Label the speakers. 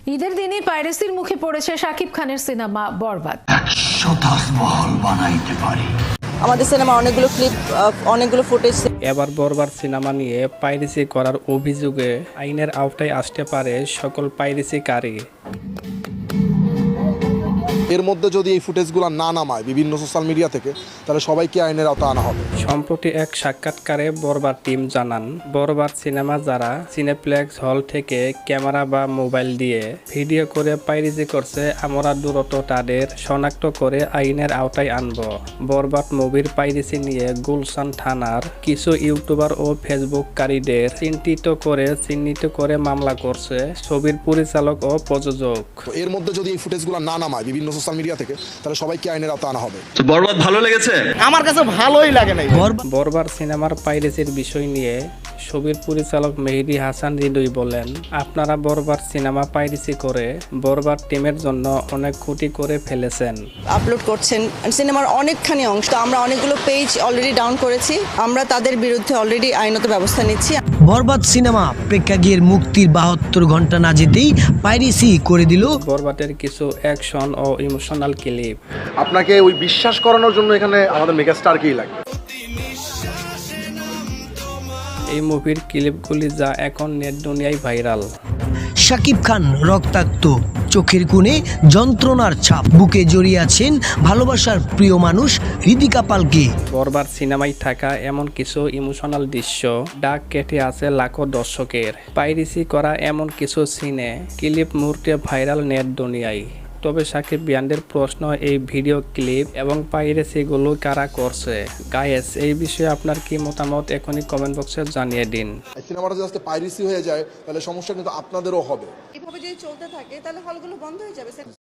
Speaker 1: ঈদের দিনে পাইরেসির মুখে পড়েছে শাকিব খানের সিনেমা বরবাদ।
Speaker 2: 100 তাজমহল বানাইতে পারি।
Speaker 3: আমাদের সিনেমা অনেকগুলো ক্লিপ, অনেকগুলো ফুটেজ।
Speaker 4: এবার বরবাদ সিনেমা নিয়ে পাইরেসি করার অভিযোগে আইনের আওতায় আসতে পারে সকল পাইরেসিকারী।
Speaker 5: এর মধ্যে যদি এই ফুটেজগুলো না নামায় বিভিন্ন সোশ্যাল মিডিয়া থেকে, তাহলে সবাইকে আইনের আওতা আনা হবে।
Speaker 4: সম্প্রতি এক সাক্ষাৎকারে বরবাদ টিম জানান, বরবাদ সিনেমা যারা সিনেপ্লেক্স হল থেকে ক্যামেরা বা মোবাইল দিয়ে ভিডিও করে পাইরেসি করছে, আমরা দ্রুত তাদের শনাক্ত করে আইনের আওতায় আনব। বরবাদ মুভির পাইরেসি নিয়ে গুলশান থানার কিছু ইউটিউবার ও ফেসবুককারীদের চিহ্নিত করে মামলা করছে ছবির পরিচালক ও প্রযোজক।
Speaker 5: এর মধ্যে যদি এই ফুটেজগুলো না নামায় বিভিন্ন সোশ্যাল মিডিয়া থেকে, তাহলে সবাইকে আইনের আওতা আনা হবে।
Speaker 6: তো বরবাদ ভালো লেগেছে?
Speaker 7: আমার কাছে ভালোই লাগে নাই।
Speaker 4: বরবাদ সিনেমার পাইরেসির বিষয় নিয়ে ছবির পরিচালক মেহেদী হাসান হৃদয় বলেন, আপনারা বরবাদ সিনেমা পাইরেসি করে বরবাদ টিমের জন্য অনেক ক্ষতি করে ফেলেছেন।
Speaker 3: আপলোড করছেন সিনেমার অনেকখানি অংশ, তো আমরা অনেকগুলো পেজ অলরেডি ডাউন করেছি। আমরা তাদের বিরুদ্ধে অলরেডি আইনত ব্যবস্থা নিচ্ছি।
Speaker 8: বরবাদ সিনেমা প্রেক্ষাগৃহের মুক্তির 72 ঘন্টা না যেতেই পাইরেসি করে দিল
Speaker 4: বরবাদের কিছু অ্যাকশন ও ইমোশনাল ক্লিপ।
Speaker 5: আপনাকে ওই বিশ্বাস করানোর জন্য এখানে আমাদের মেগাস্টারকেই লাগে।
Speaker 4: এই মুভির ক্লিপগুলি যা এখন নেট দুনিয়ায় ভাইরাল।
Speaker 8: শাকিব খান রক্তাক্ত, চোখের কোণে যন্ত্রণার ছাপ, বুকে জড়িয়ে আছেন ভালোবাসার প্রিয় মানুষ হৃদিকা পালকে।
Speaker 4: বরবাদ সিনেমায় থাকা এমন কিছু ইমোশনাল দৃশ্য ডাক কেটে আছে লাখো দর্শকের। পাইরেসি করা এমন কিছু সিনে ক্লিপ মুহূর্তে ভাইরাল নেট দুনিয়ায়। তবে সাকিব বিয়ানদের প্রশ্ন, এই ভিডিও ক্লিপ এবং পাইরেসিগুলো কারা করছে? গায়েস, এই বিষয়ে আপনার কি মতামত এখনই কমেন্ট বক্সে জানিয়ে দিন।
Speaker 5: সিনেমাটা যদি আজকে পাইরেসি হয়ে যায়, তাহলে সমস্যা কিন্তু আপনাদেরও হবে।
Speaker 3: এভাবে যদি চলতে থাকে তাহলে হলগুলো বন্ধ হয়ে যাবে।